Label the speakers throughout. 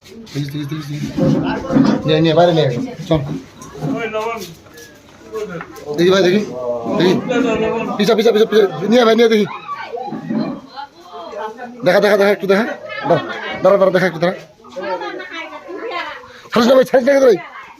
Speaker 1: নিয়ে বাইরে নিয়ে চল দেখি ভাই দেখি দেখি পিছা পিছা পিছা পিছা নিয়ে ভাই নিয়ে দেখি দেখা দেখা দেখা একটু দেখা দাঁড়া দাঁড়া দেখা একটু দাঁড়া ছাড়িস না ভাই ছাড়িস না ভাই।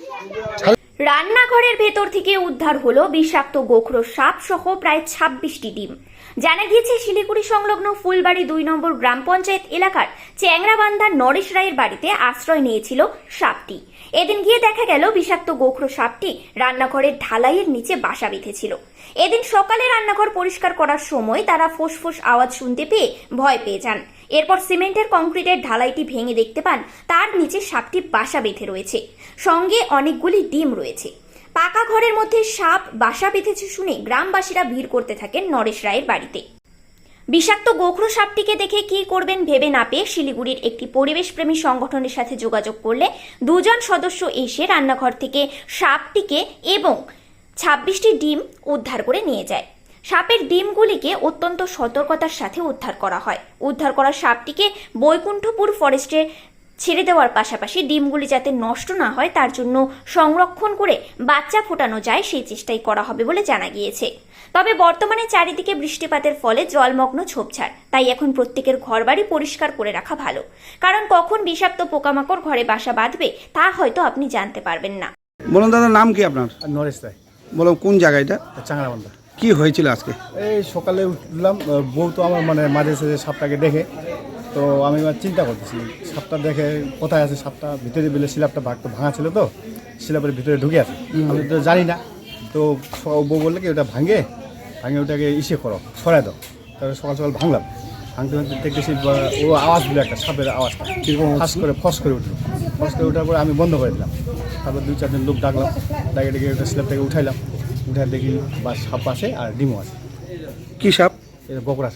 Speaker 2: রান্নাঘরের ভেতর থেকে উদ্ধার হলো বিষাক্ত গোখরো সাপ সহ প্রায় 26টি ডিম। জানা গিয়েছে শিলিগুড়ি সংলগ্ন ফুলবাড়ি 2 নম্বর গ্রাম পঞ্চায়েত এলাকার চ্যাংরাবান্ধার নরেশ রায়ের বাড়িতে আশ্রয় নিয়েছিল সাপটি। এদিন গিয়ে দেখা গেল বিষাক্ত গোখরো সাপটি রান্নাঘরের ঢালাইয়ের নিচে বাসা বেঁধেছিল। এদিন সকালে রান্নাঘর পরিষ্কার করার সময় তারা ফোঁস আওয়াজ শুনতে পেয়ে ভয় পেয়ে যান। এরপর সিমেন্টের কংক্রিটের ঢালাইটি ভেঙে দেখতে পান তার নিচে সাপটি বাসা বেঁধে রয়েছে, সঙ্গে অনেকগুলি ডিম রয়েছে। পাকা ঘরের মধ্যে সাপ বাসা বেঁধেছে শুনে গ্রামবাসীরা ভিড় করতে থাকেন নরেশ রায়ের বাড়িতে। বিষাক্ত গোখরো সাপটিকে দেখে কি করবেন ভেবে না পেয়ে শিলিগুড়ির একটি পরিবেশপ্রেমী সংগঠনের সাথে যোগাযোগ করলে 2 জন সদস্য এসে রান্নাঘর থেকে সাপটিকে এবং 26টি ডিম উদ্ধার করে নিয়ে যায়। সাপের ডিমগুলিকে অত্যন্ত সতর্কতার সাথে উদ্ধার করা হয়। উদ্ধার করা সাপটিকে বৈকুণ্ঠপুর ফরেস্টে ছেড়ে দেওয়ার পাশাপাশি ডিমগুলি যাতে নষ্ট না হয় তার জন্য সংরক্ষণ করে বাচ্চা ফোটানো যায় সেই চেষ্টাই করা হবে বলে জানা গিয়েছে। তবে বর্তমানে চারিদিকে বৃষ্টিপাতের ফলে জলমগ্ন ঝোপঝাড়, তাই এখন প্রত্যেকের ঘরবাড়ি পরিষ্কার করে রাখা ভালো, কারণ কখন বিষাক্ত পোকামাকড় ঘরে বাসা বাঁধবে তা হয়তো আপনি জানতে পারবেন না।
Speaker 3: বলুন দাদা, নাম কি আপনার?
Speaker 4: নরেশ রায়,
Speaker 3: বলুন কোন জায়গা এটা?
Speaker 4: চাংরাবান্ধা।
Speaker 3: কি হয়েছিল আজকে?
Speaker 4: এই সকালে উঠলাম, বউ তো আমার মানে মাঝে সাঝে সাপটাকে দেখে, তো আমি চিন্তা করতেছি সাপটা দেখে কোথায় আছে সাপটা, ভিতরে বেলে শিলাপটা ভাঙা ছিল, তো শিলাপের ভিতরে ঢুকে আছে, আমি তো জানি না। তো বউ বললে কি ওটা ভাঙে ওটাকে করো, ছড়াই দাও। তারপরে সকাল সকাল ভাঙলাম, ভাঙতে দেখতেছি ও আওয়াজ দিল, একটা সাপের আওয়াজটা ফস করে উঠলো। ফস করে ওঠার পরে আমি বন্ধ করে দিলাম। তারপর 2-4 জন লোক ডাকলাম, ডেকে ওটা শিলাপটাকে উঠাইলাম। উঠে দেখি বা সাপ আছে আর ডিমও আছে।
Speaker 3: কি সাপ?
Speaker 4: এটা গোকরা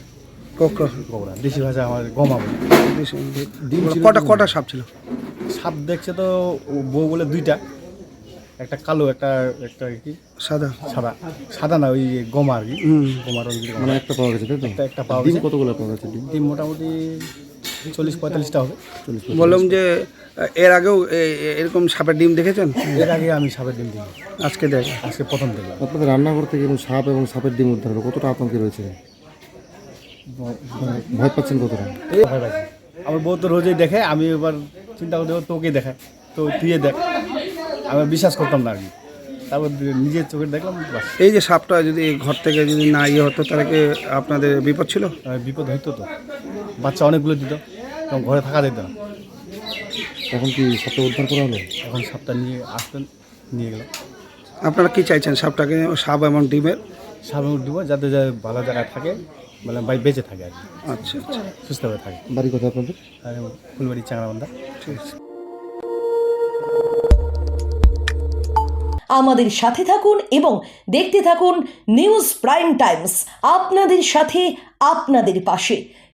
Speaker 4: দেশি ভাষা আমার গমা বলে।
Speaker 3: ডিম কটা সাপ ছিল?
Speaker 4: সাপ দেখছে তো বউ বলে 2টা, একটা কালো একটা কি
Speaker 3: সাদা
Speaker 4: সাদা না, ওই গমা আর কি, গমার
Speaker 5: মানে একটা পাওয়া গেছে, তাই তো?
Speaker 4: একটা পাওয়া
Speaker 5: ডিম
Speaker 4: গেছে।
Speaker 5: কতগুলো পাওয়া গেছে?
Speaker 4: ডিম মোটামুটি 40-45টা হবে।
Speaker 3: বললাম যে এর আগেও এরকম সাপের ডিম দেখেছেন?
Speaker 4: এর আগে আমি সাপের ডিম দিই,
Speaker 3: আজকে দেখ
Speaker 4: আজকে প্রথম দেখলাম।
Speaker 5: আপনাদের রান্নাঘর থেকে সাপ এবং সাপের ডিম উদ্ধার হলো, কতটা আতঙ্কে রয়েছে? ভয় পাচ্ছেন কতটা?
Speaker 4: এই ভয় পাচ্ছি, আমার বউ তো রোজই দেখে, আমি এবার চিন্তা করতে তোকে দেখায়, তো তুই দেখ। আমি বিশ্বাস করতাম না আর কি, তারপর নিজের চোখে দেখলাম।
Speaker 3: এই যে সাপটা যদি ঘর থেকে যদি না হতো তাহলে কি আপনাদের বিপদ ছিল?
Speaker 4: বিপদ হইতো তো, বাচ্চা অনেকগুলো দিত, তখন ঘরে থাকা যেত না।
Speaker 5: এখন কি সাপটা উদ্ধার করা হলো?
Speaker 4: এখন সাপটা নিয়ে আসতেন, নিয়ে গেলাম।
Speaker 3: আপনারা কি চাইছেন সাপটাকে, সাপ এবং ডিমের?
Speaker 4: সাপে দিব যাতে ভালো জায়গায় থাকে, মানে বেঁচে থাকে আর কি,
Speaker 3: আচ্ছা আচ্ছা,
Speaker 4: সুস্থভাবে থাকে।
Speaker 5: বাড়ি কথা আপনাদের?
Speaker 4: আর ফুলবাড়ি চাংরাবান্ধা।
Speaker 3: ঠিক আছে।
Speaker 6: আমাদের সাথে থাকুন এবং দেখতে থাকুন নিউজ প্রাইম টাইমস, আপনাদের সাথে আপনাদের পাশে।